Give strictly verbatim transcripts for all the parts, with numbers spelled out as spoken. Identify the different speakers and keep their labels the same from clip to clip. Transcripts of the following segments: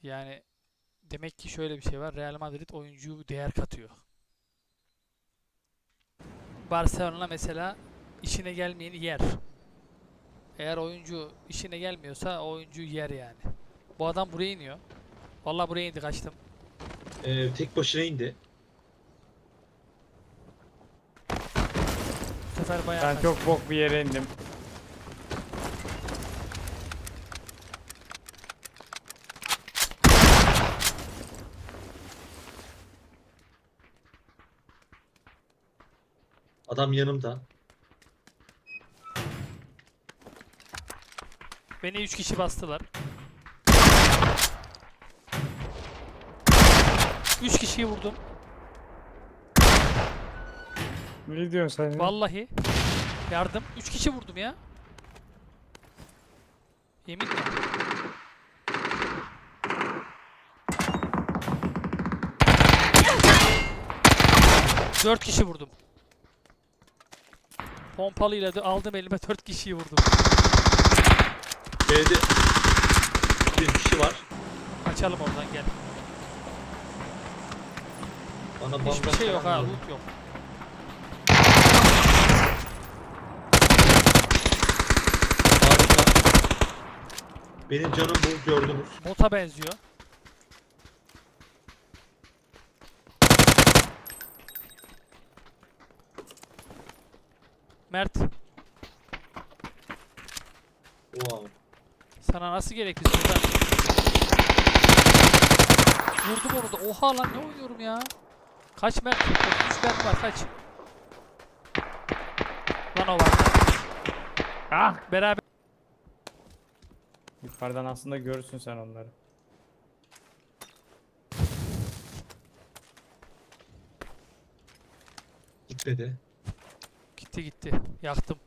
Speaker 1: Yani demek ki şöyle bir şey var. Real Madrid oyuncuyu değer katıyor. Barcelona mesela işine gelmeyeni yer. Eğer oyuncu işine gelmiyorsa o oyuncuyu yer yani. Bu adam buraya iniyor. Vallahi buraya indi, kaçtım.
Speaker 2: Ee, tek başına indi.
Speaker 1: Bu sefer bayağı
Speaker 3: Ben
Speaker 1: kaçtım.
Speaker 3: çok bok bir yere indim.
Speaker 2: Adam yanımda.
Speaker 1: Beni üç kişi bastılar. üç kişiyi vurdum.
Speaker 3: Ne diyorsun sen ya?
Speaker 1: Vallahi. Yardım. üç kişi vurdum ya. Yemin mi? dört kişi vurdum. Pompalıyla da aldım elime, dört kişiyi vurdum.
Speaker 2: B'de bir kişi var.
Speaker 1: Kaçalım oradan, gel.
Speaker 2: Bana
Speaker 1: Hiçbir
Speaker 2: bandaj
Speaker 1: şey yok ha,
Speaker 2: falan lazım.
Speaker 1: loot yok.
Speaker 2: Harika. Benim canım bu, gördünüz.
Speaker 1: Bota benziyor. Mert,
Speaker 2: Wow.
Speaker 1: sana nasıl gerek biz burada? Vurdum onu da. Oha lan, ne oynuyorum ya? Kaç Mert? üç Mert var, kaç? Lan o var.
Speaker 3: Ah!
Speaker 1: Beraber.
Speaker 3: Yukarıdan aslında görürsün sen onları.
Speaker 2: Gitmedi.
Speaker 1: Gitti gitti. Yaktım.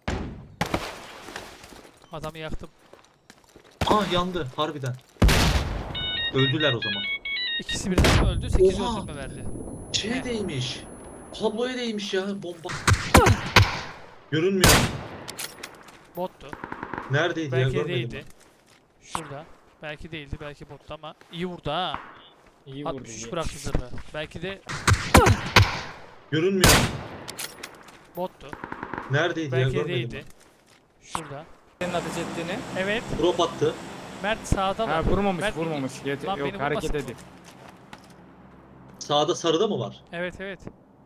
Speaker 1: Adamı yaktım.
Speaker 2: Ah, yandı harbiden. Öldüler o zaman.
Speaker 1: İkisi birden mi öldü? sekiz
Speaker 2: Oha!
Speaker 1: öldürme verdi.
Speaker 2: Şeye
Speaker 1: Ne?
Speaker 2: değmiş. Kabloya değmiş ya bomba. Görünmüyor.
Speaker 1: Bottu.
Speaker 2: Neredeydi ya,
Speaker 1: Belki de
Speaker 2: görmedim
Speaker 1: değildi. Şurada. Belki değildi, belki bottu ama iyi vurdu ha.
Speaker 3: İyi vurdu.
Speaker 1: altmış üç
Speaker 3: iyi.
Speaker 1: bıraktı zırhı. Belki de
Speaker 2: ben. Görünmüyor.
Speaker 1: bottu.
Speaker 2: Neredeydi ya,
Speaker 1: Belki de
Speaker 2: görmedim
Speaker 1: değildi. Şurada.
Speaker 3: Senin ateş ettiğini.
Speaker 1: Evet.
Speaker 2: ben. Drop attı.
Speaker 1: Mert sağda var.
Speaker 3: Ha vurmamış
Speaker 1: Mert,
Speaker 3: vurmamış. Yet
Speaker 1: Lan
Speaker 3: yok
Speaker 1: beni
Speaker 3: hareket
Speaker 1: vurmasın bu.
Speaker 3: edin.
Speaker 2: Sağda sarıda mı var?
Speaker 1: Evet evet.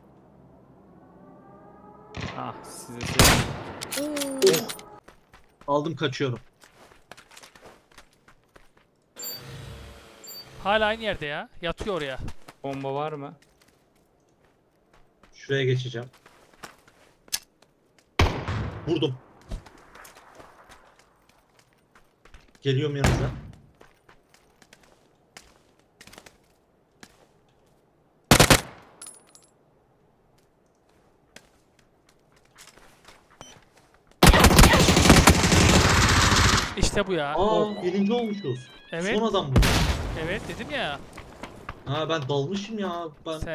Speaker 3: Ah size şey.
Speaker 2: Oh. Aldım, kaçıyorum.
Speaker 1: Hala aynı yerde ya. Yatıyor oraya.
Speaker 3: Bomba var mı?
Speaker 2: Şuraya geçeceğim. Vurdum. Geliyorum yanınıza.
Speaker 1: İşte bu ya.
Speaker 2: Aa, birinci olmuşuz.
Speaker 1: Evet.
Speaker 2: Son adam bu.
Speaker 1: Evet dedim ya.
Speaker 2: Ha, ben dalmışım ya. Ben
Speaker 1: Sen